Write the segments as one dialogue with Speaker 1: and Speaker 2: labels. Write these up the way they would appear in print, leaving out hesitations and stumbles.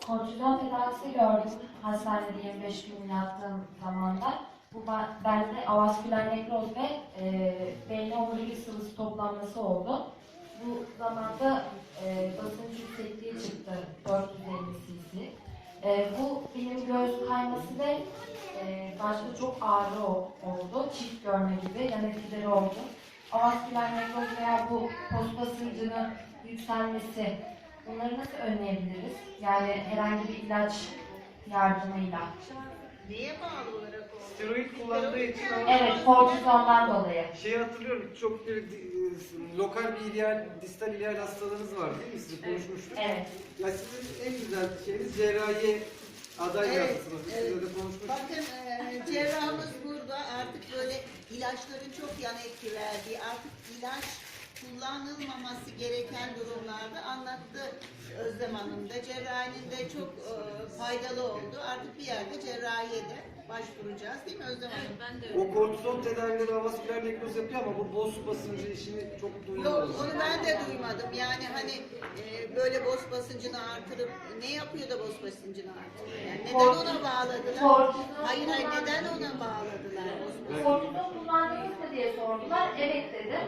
Speaker 1: kortizon tedavisi gördüm hastanede 25 gün yattığım zamanda. Bu bende avasküler nekroz ve beyne omurilik sıvısı toplanması oldu. Bu zamanda basınç yüksekliği çıktı 450 cc. Bu benim göğüs kayması ve başta çok ağrı oldu. Çift görme gibi yan etkileri oldu. Avasküler nekroz veya bu post basıncının yükselmesi, bunları nasıl önleyebiliriz? Yani herhangi bir ilaç yardımıyla.
Speaker 2: Neye bağlı olarak oldu?
Speaker 3: Steroid kullandığı için
Speaker 1: Evet, kortizondan dolayı.
Speaker 3: şeyi hatırlıyorum, çok bir lokal bir ileal, distal ileal hastalığınız var değil mi? Siz konuşmuştuk.
Speaker 1: Evet.
Speaker 3: Ya sizin en güzel şeyiniz cerrahi aday
Speaker 2: Evet,
Speaker 3: yaptınız. Biz
Speaker 2: evet.
Speaker 3: öyle konuşmuştuk.
Speaker 2: Bakın cerrahımız burada artık böyle ilaçların çok yan etki verdiği, artık ilaç kullanılmaması gereken durumlarda anlattı Özlem Hanım da. Cerrahinin de çok faydalı oldu. Artık bir yerde cerrahiye de başvuracağız değil mi Özlem Hanım?
Speaker 4: Ben de
Speaker 3: O kortizon tedavileri avasküler nekroz yapıyor ama bu boz basıncı işini çok duymadım.
Speaker 2: Yok, onu ben de duymadım. Yani hani böyle boz basıncını artırıp ne yapıyor da boz basıncını artırıyor? Yani neden ona bağladılar?
Speaker 1: Kortizon
Speaker 2: Hayır, neden ona bağladılar boz basıncını?
Speaker 1: Kortizon kullandınız mı diye sordular. Evet dedim.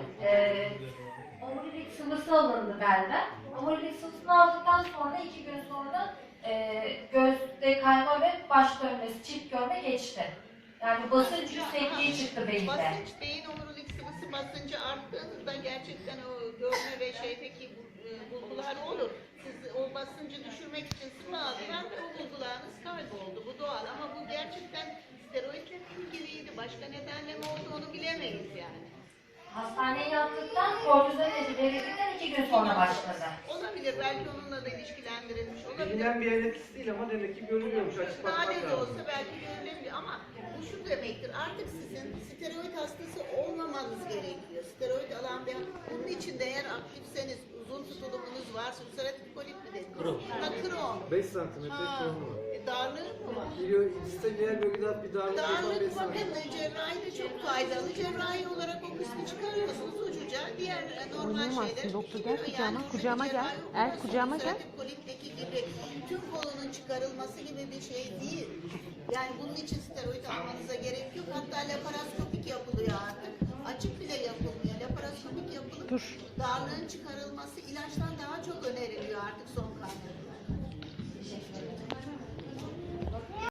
Speaker 1: Omurilik sıvısı alındı benden. Omurilik sıvısını aldıktan sonra 2 gün sonra göğüste kayma ve baş dönmesi, çift görme geçti. Yani basınç yüksekliği çıktı beyinde.
Speaker 2: Basınç, beyin omurilik sıvısı basıncı arttığınızda gerçekten o görme ve şeydeki bulgular olur. Siz o basıncı düşürmek için sıvı aldılar ve o bulgularınız kayboldu. Bu doğal ama bu gerçekten steroidle ilgiliydi. Başka nedenle mi oldu onu bilemeyiz yani.
Speaker 1: Hastaneye yattıktan, kortizon ilacı verildikten 2 gün sonra başladı.
Speaker 2: Olabilir, belki onunla da ilişkilendirilmiş olabilir.
Speaker 3: Bilinen bir yan etkisi değil ama demek ki görülüyormuş, açık bakmak
Speaker 2: Nadir de
Speaker 3: lazım.
Speaker 2: olsa belki görülebilir ama bu şu demektir, artık sizin steroid hastası olmamanız gerekiyor. Steroid alan bir, bunun için de eğer aktifseniz, uzun tutulumunuz varsa, ulseratif kolit mi dediniz? Kron.
Speaker 3: 5 santimetre konu var.
Speaker 2: Darlığı mı var?
Speaker 3: Biliyor, distal ileal bölgede bir darlık yapan 5
Speaker 2: Darlık
Speaker 3: santimetre.
Speaker 2: bakın cerrahi de çok faydalı. Cerrahi olarak o kısmı çıkarıyorsunuz ucuca. Diğer normal şeyler.
Speaker 5: Doktor gel kucağıma gel. Kucağıma gel.
Speaker 2: Kolitteki gibi tüm kolunun çıkarılması gibi bir şey değil. Yani bunun için steroid almanıza gerek yok. Hatta laparoskopik yapılıyor artık. Açık bile yapılmıyor. Laparoskopik yapılıp darlığın çıkarılması ilaçtan daha çok öneriliyor artık son kaynaklarda.
Speaker 1: Teşekkür ederim.